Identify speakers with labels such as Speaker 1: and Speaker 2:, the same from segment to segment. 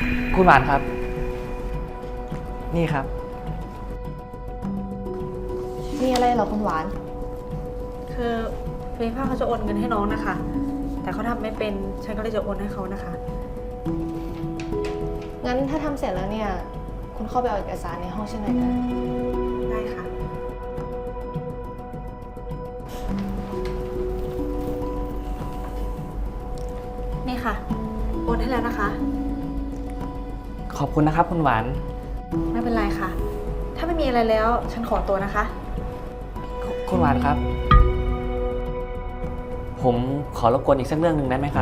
Speaker 1: คุณหวานครับ นี่ครับ
Speaker 2: มีอะไรเหรอคุณหวาน
Speaker 3: คือฟีฟ่าเขาจะโอนเงินให้น้องนะคะ แต่เขาทำไม่เป็น ฉันก็เลยจะโอนให้เขานะคะ
Speaker 2: งั้นถ้าทำเสร็จแล้วเนี่ย คุณเข้าไปเอาเอกสารในห้องฉันหน่อยนะ
Speaker 3: ได้ค่ะ นี่ค่ะ โอนให้แล้วนะคะ
Speaker 1: ขอบคุณนะครับคุณหวาน
Speaker 3: ไม่เป็นไรค่ะ ถ้าไม่มีอะไรแล้ว ฉันขอตัวนะคะ
Speaker 1: คุณหวานครับ ผมขอรบกวนอีกสักเรื่องหนึ่งได้ไหมครับ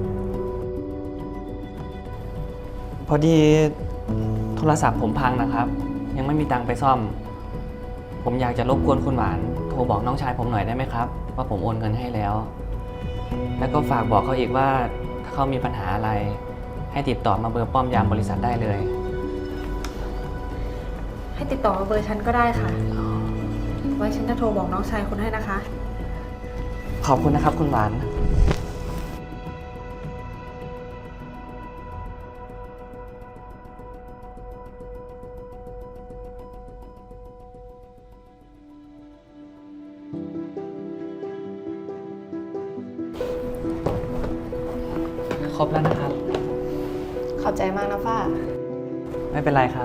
Speaker 1: พอดีโทรศัพท์ผมพังนะครับ ยังไม่มีตังค์ไปซ่อม ผมอยากจะรบกวนคุณหวานโทรบอกน้องชายผมหน่อยได้ไหมครับว่าผมโอนเงินให้แล้ว แล้วก็ฝากบอกเขาอีกว่าถ้าเขามีปัญหาอะไรให้ติดต่อมาเบอร์ป้อมยามบริษัทได้เลย
Speaker 3: ให้ติดต่อมาเบอร์ฉันก็ได้ค่ะ ไว้ฉันจะโทรบอกน้องชายคุณให้นะคะ
Speaker 1: ขอบคุณนะครับคุณหวาน ครบแล้วนะครับ
Speaker 2: ขอบใจมากนะฝ้า
Speaker 1: ไม่เป็นไรครับ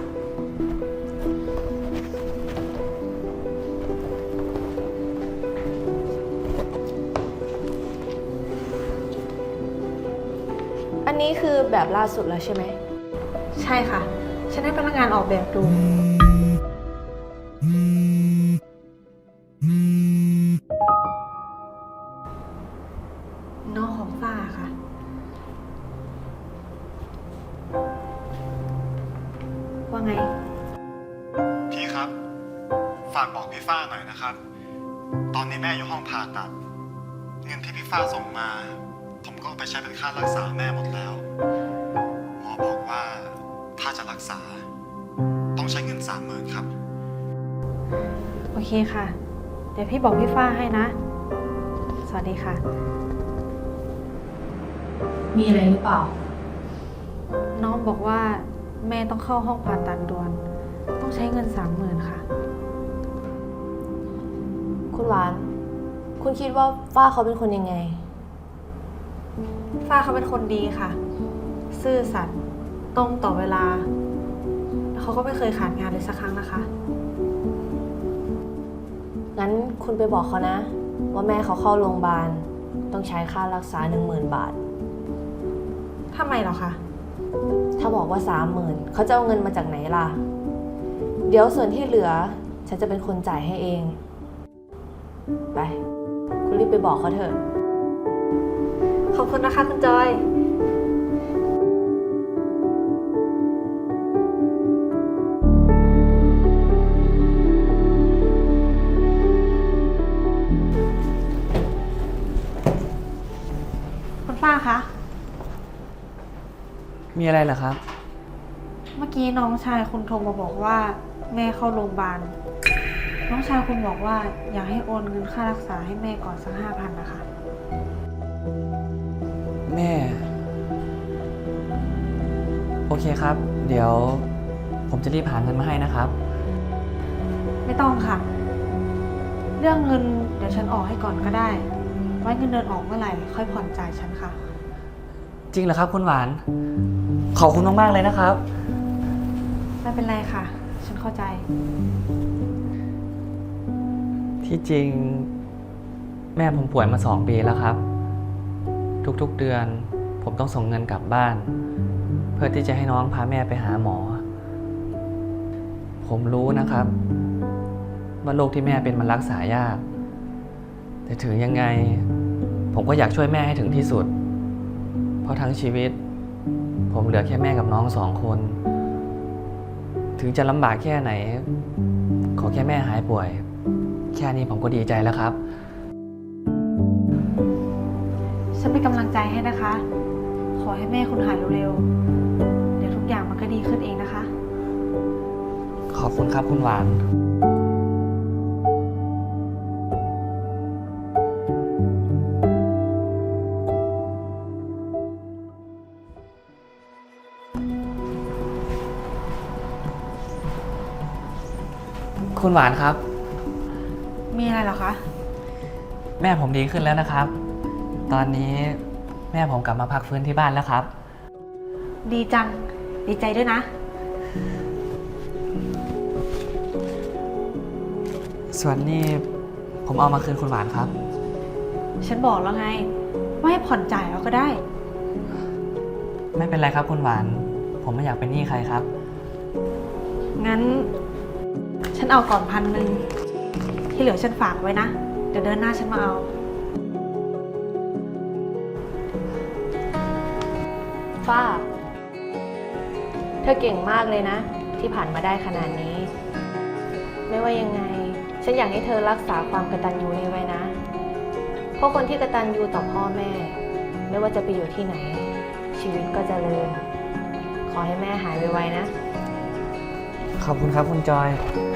Speaker 2: อันนี้คือแบบล่าสุดแล้วใช่ไหม
Speaker 3: ใช่ค่ะ ฉันให้พนักงานออกแบบดู น้องของฝ้าค่ะ ว่าไง
Speaker 4: พี่ครับ ฝากบอกพี่ฟ้าหน่อยนะครับ ตอนนี้แม่อยู่ห้องผ่าตัด เงินที่พี่ฟ้าส่งมา ผมก็เอาไปใช้เป็นค่ารักษาแม่หมดแล้ว หมอบอกว่าถ้าจะรักษา ต้องใช้เงิน30,000ครับ
Speaker 3: โอเคค่ะ เดี๋ยวพี่บอกพี่ฝ้าให้นะ สวัสดีค่ะ
Speaker 5: มีอะไรหรือเปล่า
Speaker 3: น้องบอกว่าแม่ต้องเข้าห้องผ่าตัดด่วน ต้องใช้เงิน30,000ค่ะ
Speaker 2: คุณหวาน คุณคิดว่าฝ้าเขาเป็นคนยังไง
Speaker 3: ฝ้าเขาเป็นคนดีค่ะ ซื่อสัตย์ตรงต่อเวลาแล้วเขาก็ไม่เคยขาดงานเลยสักครั้งนะคะ
Speaker 2: งั้นคุณไปบอกเขานะ ว่าแม่เขาเข้าโรงพยาบาลต้องใช้ค่ารักษา 10,000 บาท
Speaker 3: ทำไมเหรอคะ
Speaker 2: ถ้าบอกว่า 30,000เขาจะเอาเงินมาจากไหนล่ะ เดี๋ยวส่วนที่เหลือ ฉันจะเป็นคนจ่ายให้เอง ไป คุณรีบไปบอกเขาเถอะ
Speaker 3: ขอบคุณนะคะคุณจอย คุณฝ้าคะ
Speaker 1: มีอะไรเหรอครับ
Speaker 3: เมื่อกี้น้องชายคุณโทรมาบอกว่าแม่เข้าโรงพยาบาล น้องชายคุณบอกว่าอยากให้โอนเงินค่ารักษาให้แม่ก่อนสัก5,000นะคะ
Speaker 1: แม่ โอเคครับ เดี๋ยวผมจะรีบหาเงินมาให้นะครับ
Speaker 3: ไม่ต้องค่ะ เรื่องเงินเดี๋ยวฉันออกให้ก่อนก็ได้ ไว้เงินเดือนออกเมื่อไหร่ค่อยผ่อนจ่ายฉันค่ะ
Speaker 1: จริงเหรอครับคุณหวาน ขอบคุณมากๆเลยนะครับ
Speaker 3: ไม่เป็นไรค่ะ ฉันเข้าใจ
Speaker 1: ที่จริงแม่ผมป่วยมา2 ปีแล้วครับ ทุกๆเดือนผมต้องส่งเงินกลับบ้าน เพื่อที่จะให้น้องพาแม่ไปหาหมอ ผมรู้นะครับว่าโรคที่แม่เป็นมันรักษายาก แต่ถึงยังไงผมก็อยากช่วยแม่ให้ถึงที่สุด เพราะทั้งชีวิต ผมเหลือแค่แม่กับน้อง2 คน ถึงจะลำบากแค่ไหน ขอแค่แม่หายป่วย แค่นี้ผมก็ดีใจแล้วครับ
Speaker 3: ฉันเป็นกำลังใจให้นะคะ ขอให้แม่คุณหายเร็วๆ เดี๋ยวทุกอย่างมันก็ดีขึ้นเองนะคะ
Speaker 1: ขอบคุณครับคุณหวานคุณหวานครับ
Speaker 3: มีอะไรเหรอคะ
Speaker 1: แม่ผมดีขึ้นแล้วนะครับ ตอนนี้แม่ผมกลับมาพักฟื้นที่บ้านแล้วครับ
Speaker 3: ดีจัง ดีใจด้วยนะ
Speaker 1: ส่วนนี้ผมเอามาคืนคุณหวานครับ
Speaker 3: ฉันบอกแล้วไง ว่าให้ผ่อนจ่ายเอาก็ได้
Speaker 1: ไม่เป็นไรครับคุณหวาน ผมไม่อยากเป็นหนี้ใครครับ
Speaker 3: งั้น ฉันเอาก่อน1,000 ที่เหลือฉันฝากไว้นะ เดี๋ยวเดือนหน้าฉันมาเอา
Speaker 2: ฝ้า เธอเก่งมากเลยนะ ที่ผ่านมาได้ขนาดนี้ ไม่ว่ายังไง ฉันอยากให้เธอรักษาความกตัญญูนี้ไว้นะ เพราะคนที่กตัญญูต่อพ่อแม่ ไม่ว่าจะไปอยู่ที่ไหน ชีวิตก็เจริญ ขอให้แม่หายไวๆนะ
Speaker 1: ขอบคุณครับคุณจอย
Speaker 2: ค